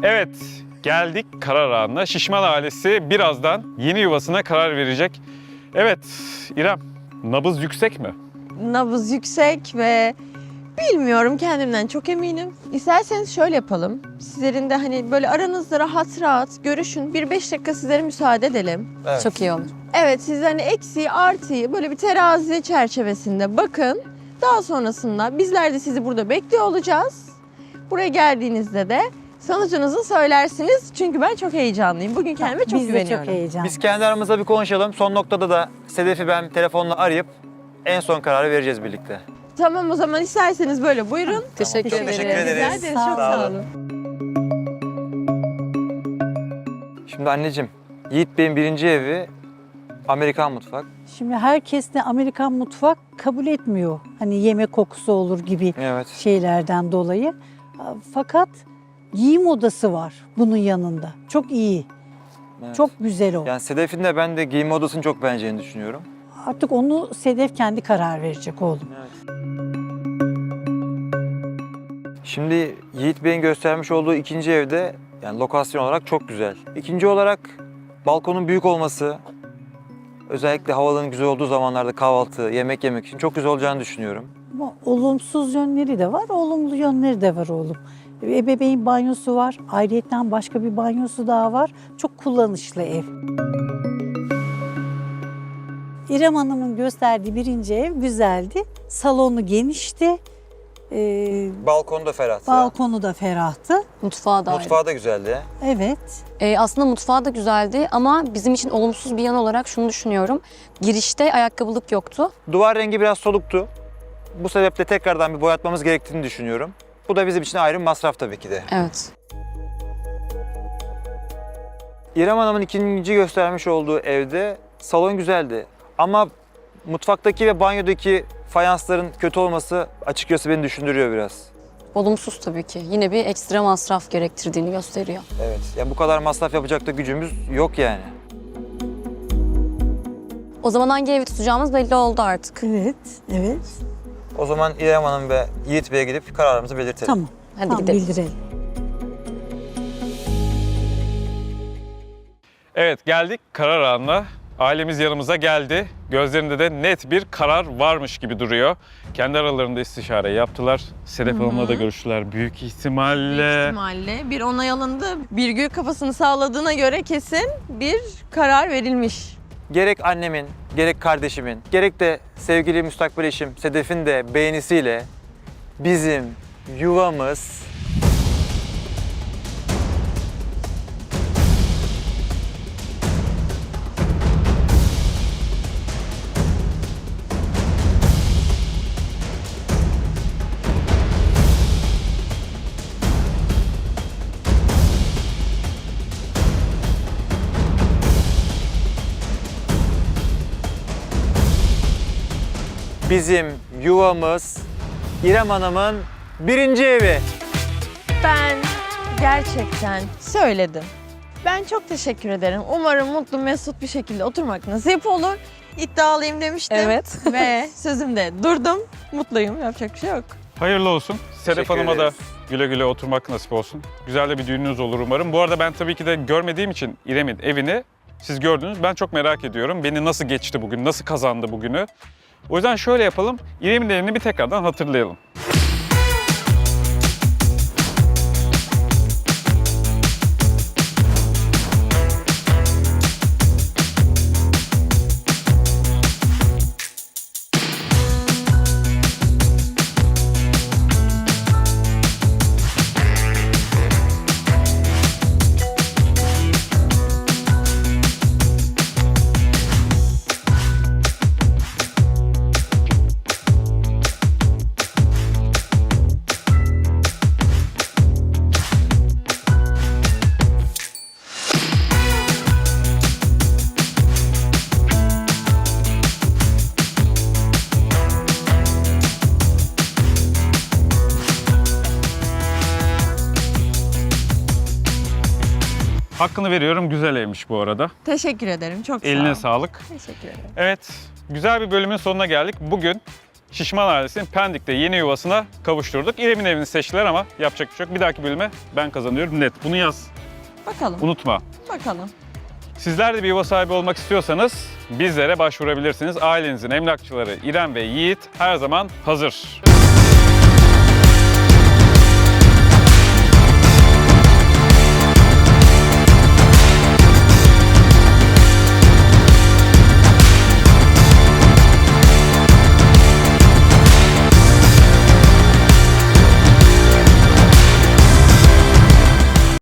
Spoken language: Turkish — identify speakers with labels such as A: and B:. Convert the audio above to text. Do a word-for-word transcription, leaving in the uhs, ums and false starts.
A: Evet, geldik karar anına. Şişman ailesi birazdan yeni yuvasına karar verecek. Evet, İrem, nabız yüksek mi?
B: Nabız yüksek ve bilmiyorum, kendimden çok eminim. İsterseniz şöyle yapalım. Sizlerin de hani böyle aranızda rahat rahat görüşün. Bir beş dakika sizlere müsaade edelim.
C: Evet.
D: Çok iyi olur.
B: Evet, siz hani eksiği artıyı böyle bir terazi çerçevesinde bakın. Daha sonrasında bizler de sizi burada bekliyor olacağız. Buraya geldiğinizde de sonucunuzu söylersiniz. Çünkü ben çok heyecanlıyım. Bugün kendime çok
E: Biz de
B: güveniyorum.
E: çok heyecanlı.
C: Biz kendi aramızda bir konuşalım. Son noktada da Sedef'i ben telefonla arayıp en son kararı vereceğiz birlikte.
B: Tamam, o zaman isterseniz böyle buyurun.
D: Teşekkür
C: Çok
D: ederim.
C: teşekkür ederiz.
B: Rica ederiz.
E: Sağ
B: Çok sağ
C: olun.
B: olun.
C: Şimdi anneciğim, Yiğit Bey'in birinci evi Amerikan mutfak.
E: Şimdi herkes de Amerikan mutfak kabul etmiyor. Hani yemek kokusu olur gibi
C: Evet.
E: şeylerden dolayı. Fakat giyim odası var bunun yanında. Çok iyi.
C: evet.
E: Çok güzel o.
C: Yani Sedef'in de ben de giyinme odasını çok beğeneceğini düşünüyorum.
E: Artık onu Sedef kendi karar verecek oğlum.
C: Evet. Şimdi Yiğit Bey'in göstermiş olduğu ikinci evde yani lokasyon olarak çok güzel. İkinci olarak balkonun büyük olması, özellikle havanın güzel olduğu zamanlarda kahvaltı, yemek yemek için çok güzel olacağını düşünüyorum.
E: Ama olumsuz yönleri de var, olumlu yönleri de var oğlum. Ebeveyn banyosu var, ayrıyeten başka bir banyosu daha var. Çok kullanışlı ev. İrem Hanım'ın gösterdiği birinci ev güzeldi. Salonu genişti. Ee,
C: Balkonu da ferah.
E: balkonu da ferahtı.
D: Mutfağı da ayrı.
C: Mutfağı da güzeldi.
E: Evet.
D: Ee, aslında mutfağı da güzeldi ama bizim için olumsuz bir yan olarak şunu düşünüyorum. Girişte ayakkabılık yoktu.
C: Duvar rengi biraz soluktu. Bu sebeple tekrardan bir boyatmamız gerektiğini düşünüyorum. Bu da bizim için ayrı bir masraf tabii ki de.
D: Evet.
C: İrem Hanım'ın ikinci göstermiş olduğu evde salon güzeldi. Ama mutfaktaki ve banyodaki fayansların kötü olması açıkçası beni düşündürüyor biraz.
D: Olumsuz tabii ki. Yine bir ekstra masraf gerektirdiğini gösteriyor.
C: Evet. Ya bu kadar masraf yapacak da gücümüz yok yani.
D: O zaman hangi evi tutacağımız belli oldu artık.
E: Evet, evet.
C: O zaman İrem Hanım ve Yiğit Bey'e gidip kararımızı belirtelim.
E: Tamam.
D: Hadi
E: tamam,
D: gidelim.
E: bildirelim.
A: Evet, geldik karar anına. Ailemiz yanımıza geldi. Gözlerinde de net bir karar varmış gibi duruyor. Kendi aralarında istişare yaptılar. Sedef Hanım'la da görüştüler. Büyük ihtimalle...
B: Büyük ihtimalle bir onay alındı. Birgül kafasını sağladığına göre kesin bir karar verilmiş.
C: Gerek annemin, gerek kardeşimin, gerek de sevgili müstakbel eşim Sedef'in de beğenisiyle bizim yuvamız bizim yuvamız İrem Hanım'ın birinci evi.
B: Ben gerçekten söyledim. Ben çok teşekkür ederim. Umarım mutlu mesut bir şekilde oturmak nasip olur. İddialıyım demiştim.
D: Evet.
B: Ve sözümde durdum. Mutluyum. Yapacak bir şey yok.
A: Hayırlı olsun. Sedef
C: Teşekkür
A: Hanım'a da
C: ederiz.
A: güle güle oturmak nasip olsun. Güzel de bir düğününüz olur umarım. Bu arada ben tabii ki de görmediğim için İrem'in evini siz gördünüz. Ben çok merak ediyorum. Beni nasıl geçti bugün, nasıl kazandı bugünü. O yüzden şöyle yapalım. İrem'in evini bir tekrardan hatırlayalım. Hakkını veriyorum. Güzel evmiş bu arada.
B: Teşekkür ederim. Çok sağ ol.
A: Eline sağlık.
B: Teşekkür ederim.
A: Evet, güzel bir bölümün sonuna geldik. Bugün Şişman ailesinin Pendik'te yeni yuvasına kavuşturduk. İrem'in evini seçtiler ama yapacak bir şey yok. Bir dahaki bölüme ben kazanıyorum net. Bunu yaz.
B: Bakalım,
A: Unutma.
B: bakalım.
A: Sizler de bir yuva sahibi olmak istiyorsanız bizlere başvurabilirsiniz. Ailenizin emlakçıları İrem ve Yiğit her zaman hazır.